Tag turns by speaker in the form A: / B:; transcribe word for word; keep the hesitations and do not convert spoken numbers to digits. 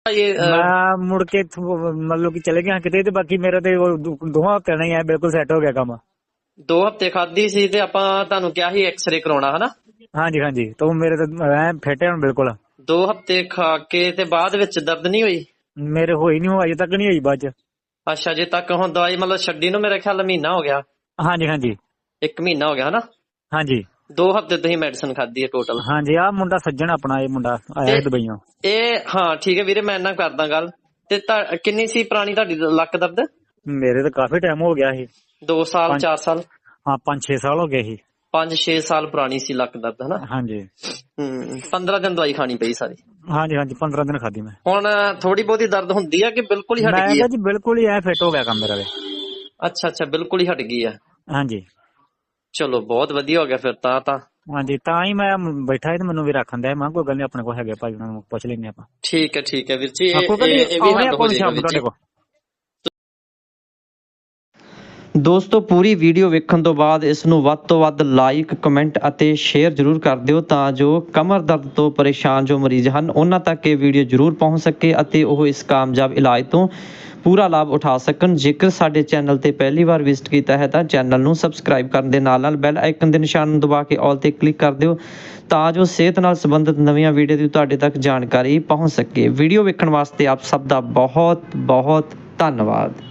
A: ਇਹ ਅਹ,
B: ਮੈਂ ਮੁੜ ਕੇ ਇੱਥੋਂ ਮਤਲਬ ਕਿ ਚਲੇ ਗਿਆ ਕਿਤੇ ਤੇ ਬਾਕੀ ਮੇਰਾ ਤੇ ਉਹ ਦੋ- ਦੋਹਾਂ ਹਫ਼ਤਿਆਂ ਨਾਲ ਹੀ ਐ ਬਿਲਕੁਲ ਸੈੱਟ ਹੋ ਗਿਆ ਕੰਮ।
A: ਦੋ ਹਫ਼ਤੇ ਖਾਧੀ ਸੀ ਤੇ ਆਪਾਂ ਤੁਹਾਨੂੰ ਕਿਹਾ ਸੀ ਐਕਸਰੇ ਕਰਾਉਣਾ ਹਨਾ।
B: ਹਾਂਜੀ ਹਾਂਜੀ ਤੇ ਉਹ ਮੇਰੇ ਤੇ ਐ ਫਿੱਟ ਹੈ ਹੁਣ ਬਿਲਕੁਲ।
A: ਦੋ ਹਫ਼ਤੇ ਖਾ ਕੇ ਤੇ ਬਾਅਦ ਵਿੱਚ ਦਰਦ ਨਹੀਂ ਹੋਈ?
B: ਮੇਰੇ ਹੋਈ ਨਹੀਂ ਹੋ ਅਜੇ ਤੱਕ ਨਹੀਂ ਹੋਈ ਬਾਅਦ ਚ।
A: ਅੱਛਾ, ਜੇ ਤੱਕ ਹੁਣ ਦਵਾਈ ਮਤਲਬ ਛੱਡੀ ਨੂੰ ਮੇਰੇ ਖਿਆਲ ਮਹੀਨਾ ਹੋ ਗਿਆ।
B: ਹਾਂਜੀ ਹਾਂਜੀ
A: ਇੱਕ ਮਹੀਨਾ ਹੋ ਗਿਆ ਹਨਾ।
B: ਹਾਂਜੀ
A: ਦੋ ਹਫ਼ਤੇ ਤੁਸੀਂ ਮੈਡੀਸਨ ਖਾਧੀ ਹੈ ਟੋਟਲ।
B: ਹਾਂਜੀ ਆਹ ਮੁੰਡਾ ਸੱਜਣ ਆਪਣਾ ਇਹ ਮੁੰਡਾ ਆਇਆ ਸੀ ਦੁਬਈਓਂ।
A: ਇਹ ਹਾਂ ਠੀਕ ਹੈ ਵੀਰੇ, ਮੈਂ ਇਹਨਾਂ ਕਰਦਾ ਗੱਲ। ਤੇ ਤੁਹਾ- ਕਿੰਨੀ ਸੀ ਪੁਰਾਣੀ ਤੁਹਾਡੀ ਲੱਕ ਦਰਦ?
B: ਮੇਰੇ ਤਾਂ ਕਾਫੀ ਟਾਈਮ ਹੋ ਗਿਆ ਸੀ।
A: ਦੋ ਸਾਲ
B: ਪੰਜ-
A: ਚਾਰ ਸਾਲ
B: ਹਾਂ ਪੰਜ ਛੇ ਸਾਲ ਹੋ ਗਏ ਸੀ।
A: ਪੰਜ ਛੇ ਸਾਲ ਪੁਰਾਣੀ ਸੀ ਲੱਕ ਦਰਦ ਹਨਾ।
B: ਹਾਂਜੀ
A: ਹੂੰ ਪੰਦਰਾਂ ਦਿਨ ਦਵਾਈ ਖਾਣੀ ਪਈ ਸਾਰੀ।
B: ਹਾਂਜੀ ਹਾਂਜੀ ਪੰਦਰਾਂ ਦਿਨ ਖਾਧੀ ਮੈਂ।
A: ਹੁਣ ਥੋੜੀ ਬਹੁਤੀ ਦਰਦ ਹੁੰਦੀ ਆ ਕਿ ਬਿਲਕੁਲ ਹੀ ਹਟ
B: ਮੈਂ
A: ਗਈ
B: ਕਿਹਾ
A: ਆ?
B: ਜੀ ਬਿਲਕੁਲ ਹੀ ਐ ਫਿੱਟ ਹੋ ਗਿਆ ਕੰਮ ਮੇਰਾ ਤੇ।
A: ਅੱਛਾ ਅੱਛਾ, ਬਿਲਕੁਲ ਹੀ ਹਟ ਗਈ ਆ।
B: ਹਾਂਜੀ
A: ਚਲੋ ਬਹੁਤ ਵਧੀਆ ਹੋ ਗਿਆ ਫਿਰ ਤਾਂ ਤਾਂ
B: ਹਾਂਜੀ ਤਾਂ ਹੀ ਮੈਂ ਬੈਠਾ ਸੀ ਤੇ ਮੈਨੂੰ ਵੀ ਰੱਖਣ ਦਿਆ। ਮੈਂ ਕਿਹਾ ਕੋਈ ਗੱਲ ਨੀ ਆਪਣੇ ਕੋਲ ਹੈਗੇ ਭਾਈ, ਉਹਨਾਂ ਨੂੰ ਪੁੱਛ ਲੈਂਦੇ ਆਪਾਂ।
A: ਠੀਕ ਹੈ ਠੀਕ ਹੈ ਵੀਰ ਜੀ,
B: ਹਾਂ,
A: ਇਹ
B: ਕੋਈ ਗੱਲ ਨੀ,
A: ਇਹ ਇਹ ਵੀ
B: ਆਉਣੇ
A: ਹੱਲ
B: ਆਪਾਂ
A: ਹੋ ਜਾਏਗਾ
B: ਸ਼ਾਮ ਨੂੰ
A: ਵੀਰ
B: ਤੁਹਾਡੇ
A: ਜੀ।
B: ਕੋਲ।
C: ਦੋਸਤੋ ਪੂਰੀ ਵੀਡੀਓ ਵੇਖਣ ਤੋਂ ਬਾਅਦ ਇਸ ਨੂੰ ਵੱਧ ਤੋਂ ਵੱਧ ਲਾਈਕ ਕਮੈਂਟ ਅਤੇ ਸ਼ੇਅਰ ਜ਼ਰੂਰ ਕਰ ਦਿਓ ਤਾਂ ਜੋ ਕਮਰ ਦਰਦ ਤੋਂ ਪਰੇਸ਼ਾਨ ਜੋ ਮਰੀਜ਼ ਹਨ ਉਹਨਾਂ ਤੱਕ ਇਹ ਵੀਡੀਓ ਜ਼ਰੂਰ ਪਹੁੰਚ ਸਕੇ ਅਤੇ ਉਹ ਇਸ ਕਾਮਯਾਬ ਇਲਾਜ ਤੋਂ ਪੂਰਾ ਲਾਭ ਉਠਾ ਸਕਣ। ਜੇਕਰ ਸਾਡੇ ਚੈਨਲ ਤੇ ਪਹਿਲੀ ਵਾਰ ਵਿਜ਼ਿਟ ਕੀਤਾ ਹੈ ਤਾਂ ਚੈਨਲ ਨੂੰ ਸਬਸਕ੍ਰਾਈਬ ਕਰਨ ਦੇ ਨਾਲ ਨਾਲ ਬੈਲ ਆਈਕਨ ਦੇ ਨਿਸ਼ਾਨ ਨੂੰ ਦਬਾ ਕੇ ਆਲ ਤੇ ਕਲਿੱਕ ਕਰ ਦਿਓ ਤਾਂ ਜੋ ਸਿਹਤ ਨਾਲ ਸੰਬੰਧਿਤ ਨਵੀਆਂ ਵੀਡੀਓ ਦੀ ਤੁਹਾਡੇ ਤੱਕ ਜਾਣਕਾਰੀ ਪਹੁੰਚ ਸਕੇ। ਵੀਡੀਓ ਵੇਖਣ ਵਾਸਤੇ ਆਪ ਸਭ ਦਾ ਬਹੁਤ ਬਹੁਤ ਧੰਨਵਾਦ।